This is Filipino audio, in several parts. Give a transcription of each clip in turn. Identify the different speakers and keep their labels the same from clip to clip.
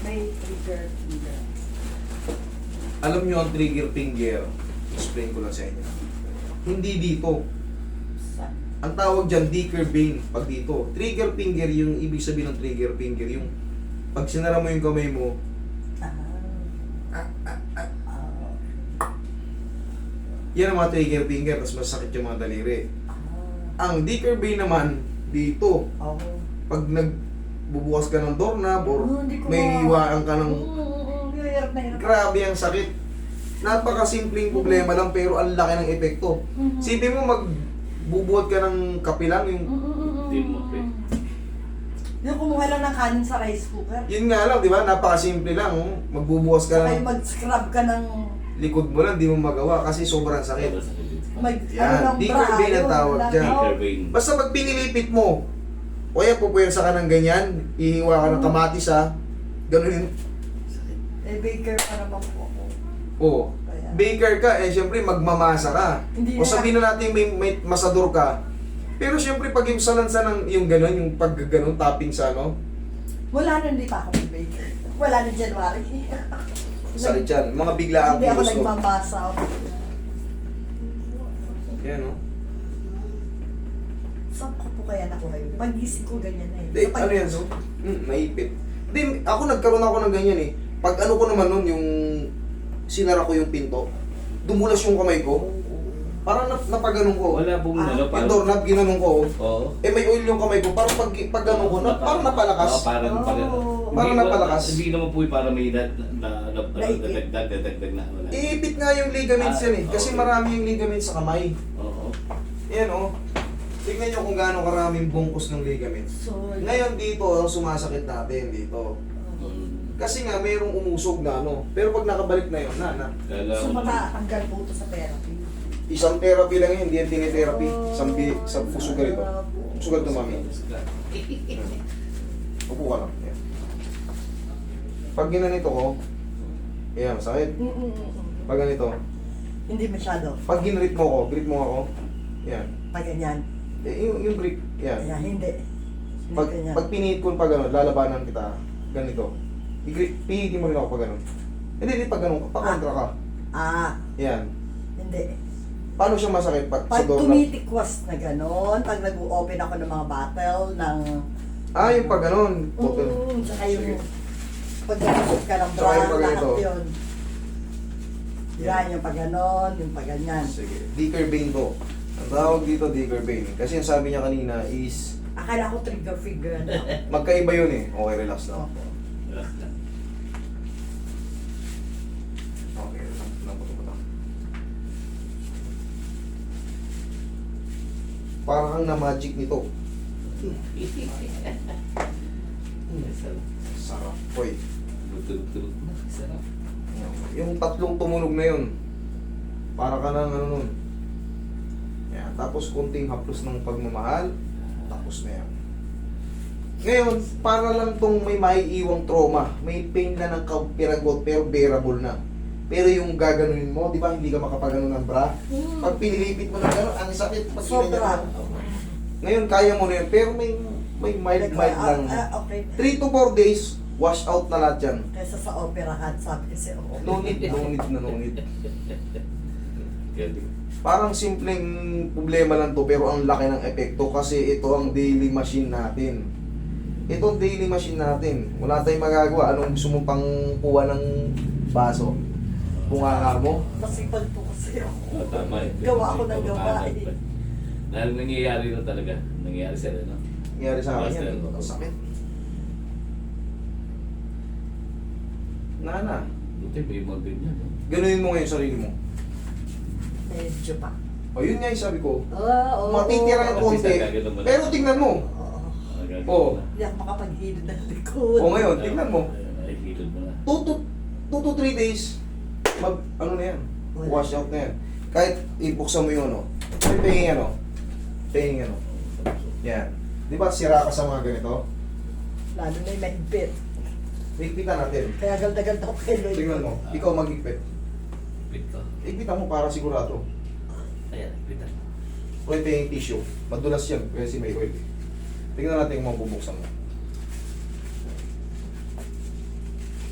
Speaker 1: May trigger finger.
Speaker 2: Alam nyo ang trigger finger, explain ko lang sa inyo. Hindi dito.
Speaker 1: Sa...
Speaker 2: Ang tawag dyan, Dicker vein. Pag dito, trigger finger, yung ibig sabihin ng trigger finger, yung pag sinara mo yung kamay mo,
Speaker 1: Ah.
Speaker 2: yan ang mga trigger finger, tapos masakit yung mga daliri.
Speaker 1: Ah.
Speaker 2: Ang Dicker vein naman, dito.
Speaker 1: Oo.
Speaker 2: Pag nagbubukas ka ng doorknob or
Speaker 1: Hindi ko
Speaker 2: may hiwaan ka ng...
Speaker 1: Hirap na hirap.
Speaker 2: Grabe ang sakit. Napakasimpleng problema lang pero ang laki ng epekto. Sipin mo magbubuhat ka ng kape lang, yung...
Speaker 3: Hindi mo, pre.
Speaker 1: Yung kumuha lang ng kanin sa rice cooker.
Speaker 2: Yun nga lang, di ba? Napakasimple lang. Oh. Magbubukas ka
Speaker 1: Kaya
Speaker 2: ng
Speaker 1: mag-scrub ka ng...
Speaker 2: likod mo lang, di mo magawa kasi sobrang sakit. Yan,
Speaker 1: ng
Speaker 2: Dicker
Speaker 1: bra,
Speaker 2: vein ang
Speaker 1: yun,
Speaker 2: tawag
Speaker 1: lang,
Speaker 2: dyan.
Speaker 1: oh.
Speaker 3: Dicker vein.
Speaker 2: Basta pag pinilipit mo, o kaya pupuwersa ka ng ganyan, ihiwa ka ng kamatis ha, ganun yun.
Speaker 1: Eh, baker pa naman po ako.
Speaker 2: Oo.
Speaker 1: Kaya...
Speaker 2: Baker ka, eh syempre magmamasa ka.
Speaker 1: Hindi
Speaker 2: O
Speaker 1: na-
Speaker 2: sabihin na natin may masador ka. Pero syempre pag yung salansa ng yung gano'n, yung pag gano'n, tapping sa ano,
Speaker 1: Wala na, hindi pa ako may baker. Wala na January.
Speaker 2: sakit yan. Mga biglaang
Speaker 1: Hindi ako
Speaker 2: kilos.
Speaker 1: nagmamasa.
Speaker 2: Yan o.
Speaker 1: Saan ko po kaya nakuha yun? Pag-gising ko ganyan na eh.
Speaker 2: Hindi, ano yan so? Naipit. Hindi, ako nagkaroon ako ng ganyan eh. Pag ano ko naman nun, yung sinara ko yung pinto, dumulas yung kamay ko, parang napaganon ko.
Speaker 3: Wala pong
Speaker 1: Ah,
Speaker 3: ano,
Speaker 2: Yung doorknob, ginanon ko.
Speaker 3: Oo.
Speaker 2: Eh may oil yung kamay ko, parang pag ganon ko, parang napalakas.
Speaker 3: Oo, parang
Speaker 1: Oh.
Speaker 2: Parang napalakas.
Speaker 3: Hindi naman po yung parang may
Speaker 1: Naipit.
Speaker 3: dadagdag na wala.
Speaker 2: Iipit nga yung ligaments yan eh, kasi
Speaker 3: okay.
Speaker 2: marami yung ligaments sa kamay.
Speaker 3: Oo.
Speaker 2: Yan o. Tignan nyo kung gaano karaming bungkus ng ligaments.
Speaker 1: So,
Speaker 2: Ngayon dito, ang sumasakit natin dito. Kasi nga, mayroong umusog na ano. Pero pag nakabalik na yun, na.
Speaker 3: Kala
Speaker 1: so
Speaker 3: ko
Speaker 1: matatanggal po ito sa therapy.
Speaker 2: Isang therapy lang yun, hindi yan tinitherapy. Isang sugar ito. Sugar ito, mami. Upo ka lang. Yan. Pag ginanito ko, yan, masakit. Pag ganito,
Speaker 1: Hindi masyado.
Speaker 2: pag ginrit mo ako, yan.
Speaker 1: Pag ganyan.
Speaker 2: Yung grip, yan.
Speaker 1: Kaya hindi. Hindi ganyan.
Speaker 2: Pag pinihit ko pag gano'n, lalabanan kita, ganito. Pihitin mo rin ako pag gano'n. Hindi, pag gano'n, pa-contra ka.
Speaker 1: Ah,
Speaker 2: Yan.
Speaker 1: hindi.
Speaker 2: Paano siya masakit pag sa
Speaker 1: Pag
Speaker 2: doorknob?
Speaker 1: tumitikwas na gano'n, pag nag-open ako ng mga bottle, ng...
Speaker 2: Yung pag gano'n.
Speaker 1: Tsaka
Speaker 2: Sige.
Speaker 1: yung... Pag nag-open ka ng
Speaker 2: Tsaka
Speaker 1: bra,
Speaker 2: yung pag
Speaker 1: lahat
Speaker 2: ganito.
Speaker 1: yun. Yan, yung pag gano'n, yung pag ganyan.
Speaker 2: Sige. Dicker vein to. Ang tawag dito, Dicker vein. Kasi yung sabi niya kanina is,
Speaker 1: Akala ko trigger finger na.
Speaker 2: magkaiba yun eh. Okay, relax lang.
Speaker 1: Opo.
Speaker 2: Okay, naputo. Parang kang na-magic nito. Sarap. Hoy.
Speaker 3: Tulog-tulog na. Sarap.
Speaker 2: Yung tatlong tumunog na yun, para ka ng ano nun. Yan. Tapos konting haplos ng pagmamahal, tapos na yan. Ngayon, para lang tong may maiiwang trauma, may pain na ng kapiragot pero bearable na. Pero yung gaganunin mo, di ba hindi ka makapaganon ng bra? Pag pinilipit mo ng gano'n, ang sakit. Pag
Speaker 1: Sobra.
Speaker 2: Ngayon, kaya mo na yun, pero may mild lang.
Speaker 1: Okay.
Speaker 2: 3 to 4 days, wash out na lahat yan.
Speaker 1: Kesa sa operahan, sabi kasi ako.
Speaker 2: No need.
Speaker 3: Galing.
Speaker 2: Parang simpleng problema lang to pero ang laki ng epekto kasi ito ang daily machine natin. Ito ang daily machine natin. Wala tayong magagawa. Anong gusto mo pang kuha ng baso? Bunganga mo?
Speaker 1: Masipag po kasi ako.
Speaker 3: Tama eh.
Speaker 1: Gawa ako ng gawa eh.
Speaker 3: Dahil nangyayari na talaga. Nangyayari sila, no?
Speaker 2: Nangyari sa akin yan.
Speaker 3: Basta-
Speaker 2: Ang sakit. Nana,
Speaker 3: Buti may mga ganyan, no?
Speaker 2: ganunin mo ngayon sarili mo.
Speaker 1: Medyo pa.
Speaker 2: O yun nga yung sabi ko.
Speaker 1: Oo.
Speaker 2: Matitira ng konti. Pero tingnan mo.
Speaker 1: Oo.
Speaker 2: Oo.
Speaker 1: Hindi ako makapaghilid ng likod.
Speaker 2: O ngayon, tingnan mo.
Speaker 3: Ay, hilod mo na.
Speaker 2: 2 to 3 days, ano na yan,
Speaker 1: Wala.
Speaker 2: wash out na yan. Kahit ibuksan mo yung ano, may pahingin ano, yan. Di ba sira ka sa mga ganito?
Speaker 1: Lalo na yung mahigpit.
Speaker 2: Higpitan natin.
Speaker 1: Kaya ganda-ganda ako kay Lloyd.
Speaker 2: Tingnan mo, ikaw mag-higpit.
Speaker 3: Pit ko.
Speaker 2: Higpitan mo para sigurado.
Speaker 3: Ayan, pitan.
Speaker 2: Pwede yung tissue. Madulas yan, kasi may oil. Tingnan natin kung mabubuksan mo.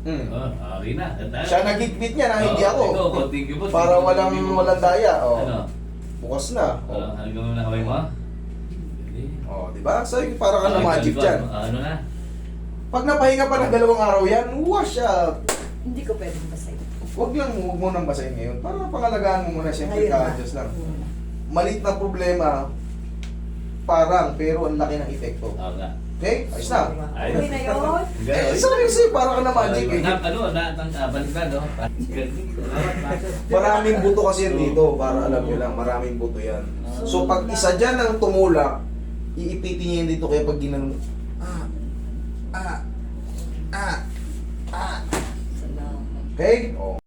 Speaker 3: Okay na.
Speaker 2: Siya nagigpit niya na, hindi ako.
Speaker 3: Ikaw, konting gipot.
Speaker 2: Para walang daya. Oh.
Speaker 3: Ano?
Speaker 2: Bukas na.
Speaker 3: Ano gawin na kamay mo? Hindi.
Speaker 2: Oh, di ba? So, para ka na magic dyan.
Speaker 3: Ano na?
Speaker 2: Pag napahinga pa ng 2 araw yan, wash up.
Speaker 1: Hindi ko pwedeng basahin.
Speaker 2: Huwag mo nang basahin ngayon. Para pangalagaan mo muna, siyempre
Speaker 1: Ngayon na.
Speaker 2: ka-adjust lang. Malit na problema, parang, pero ang laki ng epekto.
Speaker 3: Oo nga.
Speaker 2: Okay? Ayos na.
Speaker 1: Okay na yun?
Speaker 2: Eh, seriously, para ka na magic eh.
Speaker 3: Balik na, no?
Speaker 2: Maraming buto kasi yan dito, para alam nyo lang, maraming buto yan. So, pag isa dyan ang tumulak, iipitin niya yan dito, kaya pag ginanong,
Speaker 1: Salamat.
Speaker 2: okay? Oh.